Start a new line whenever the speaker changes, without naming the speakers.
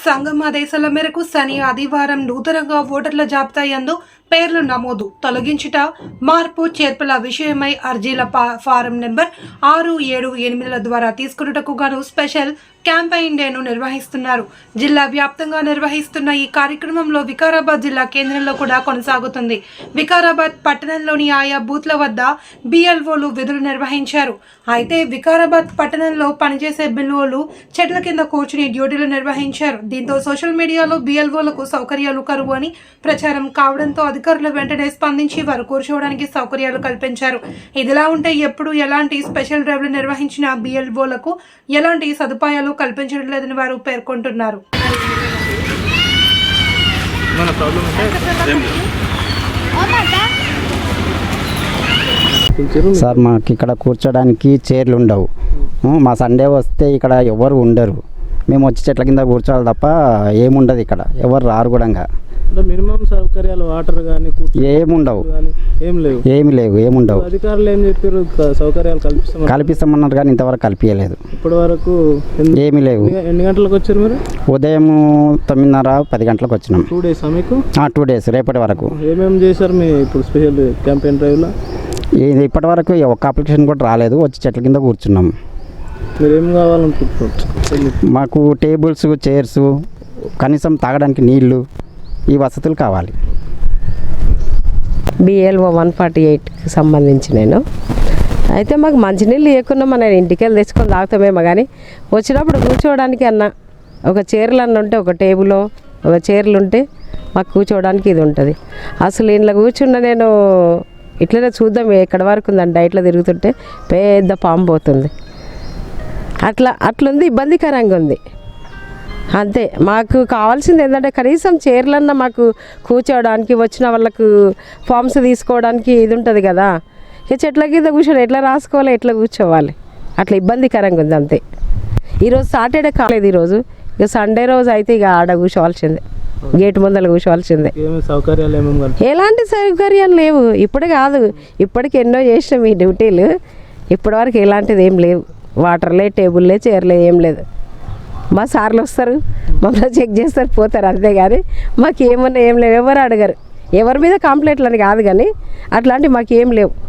సంఘం ఆదేశాల మేరకు శని ఆదివారం నూతనంగా ఓటర్ల జాబితా యందు పేర్లు నమోదు తొలగించుట మార్పు చేర్పుల విషయమై అర్జీల ఫారం నెంబర్ 6, 7, 8ల ద్వారా తీసుకున్నటకు గాను స్పెషల్ క్యాంపెయిన్ డేను నిర్వహిస్తున్నారు. జిల్లా వ్యాప్తంగా నిర్వహిస్తున్న ఈ కార్యక్రమంలో వికారాబాద్ జిల్లా కేంద్రంలో కూడా కొనసాగుతుంది. వికారాబాద్ పట్టణంలోని ఆయా బూత్ల వద్ద బిఎల్ఓలు విధులు నిర్వహించారు. అయితే వికారాబాద్ పట్టణంలో పనిచేసే బిఎల్ఓలు చెట్ల కింద కూర్చుని డ్యూటీలు నిర్వహించారు. దీంతో సోషల్ మీడియాలో బిఎల్ఓలకు సౌకర్యాలు కరువు అని ప్రచారం కావడంతో అధికారులు వెంటనే స్పందించి వారు కూర్చోవడానికి సౌకర్యాలు కల్పించారు. ఇదిలా ఉంటే ఎప్పుడు ఎలాంటి స్పెషల్ డ్రైవ్లు నిర్వహించిన బిఎల్ఓలకు ఎలాంటి సదుపాయాలు కల్పించడం లేదని వారు పేర్కొంటున్నారు.
సార్ మాకు ఇక్కడ కూర్చోడానికి చైర్లు ఉండవు. మా సండే వస్తే ఇక్కడ ఎవరు ఉండరు. మేము వచ్చి చెట్ల కింద కూర్చోవాలి తప్ప ఏముండదు. ఇక్కడ ఎవరు రారు కూడా.
మినిమం సౌకర్యాలు వాటర్ కానీ
ఏముండవు, ఏముండవు.
అధికారులు ఏం చెప్పారు? సౌకర్యాలు
కల్పిస్తామన్నారు కానీ ఇంతవరకు కల్పించలేదు.
ఇప్పటి వరకు
ఏమీ లేవు.
ఎన్ని గంటలకు వచ్చారు మీరు?
ఉదయం 9:30, 10 గంటలకు వచ్చినాం.
2 days మీకు?
2 days రేపటి వరకు.
ఏమేమి చేశారు మీ ఇప్పుడు స్పెషల్ క్యాంపెయిన్ డ్రైవ్లో?
ఇప్పటి వరకు ఒక్క అప్లికేషన్ కూడా రాలేదు. వచ్చి చెట్ల కింద కూర్చున్నాం.
మీరు ఏం కావాలనుకుంటున్నారు?
మాకు టేబుల్స్, చైర్స్, కనీసం తాగడానికి నీళ్లు, ఈ వసతులు కావాలి.
బిఎల్ఓ 148కి సంబంధించి నేను అయితే మాకు మంచినీళ్ళు లేకుండా మన ఇంటికి వెళ్ళి తెచ్చుకొని తాగుతామేమో కానీ వచ్చినప్పుడు కూర్చోవడానికి అన్న ఒక చైర్లు అన్న ఉంటే, ఒక టేబుల్లో ఒక చైర్లు ఉంటే మాకు కూర్చోవడానికి ఇది ఉంటుంది. అసలు ఇంట్లో కూర్చున్న నేను ఇట్లనే చూద్దాం ఎక్కడి వరకు ఉందంటే ఇట్లా తిరుగుతుంటే పెద్ద పాము పోతుంది. అట్లుంది, ఇబ్బందికరంగా ఉంది. అంతే. మాకు కావాల్సింది ఏంటంటే కనీసం చైర్లన్నా మాకు కూర్చోవడానికి, వచ్చిన వాళ్ళకు ఫామ్స్ తీసుకోవడానికి ఇది ఉంటుంది కదా. ఇక చెట్ల కింద కూర్చొని ఎట్లా రాసుకోవాలి, ఎట్లా కూర్చోవాలి, అట్లా ఇబ్బందికరంగా ఉంది. అంతే. ఈరోజు సాటర్డే కాలేదు. ఈరోజు ఇక సండే రోజు అయితే ఇక ఆడ కూర్చోవాల్సిందే, గేట్ ముందర కూర్చోవాల్సిందే. ఎలాంటి సౌకర్యాలు లేవు. ఇప్పుడే కాదు, ఇప్పటికి ఎన్నో చేసినాం ఈ డ్యూటీలు. ఇప్పటివరకు ఎలాంటిది ఏం లేవు. వాటర్లే, టేబుల్లే, చైర్లే, ఏం లేదు. మా సార్లు వస్తారు, మమ్మల్ని చెక్ చేస్తారు, పోతారు. అంతేగాని మాకు ఏమన్నా ఏం లేవు. ఎవరు అడగరు. ఎవరి మీద కంప్లైంట్లు అని కాదు కానీ అట్లాంటివి మాకు ఏం లేవు.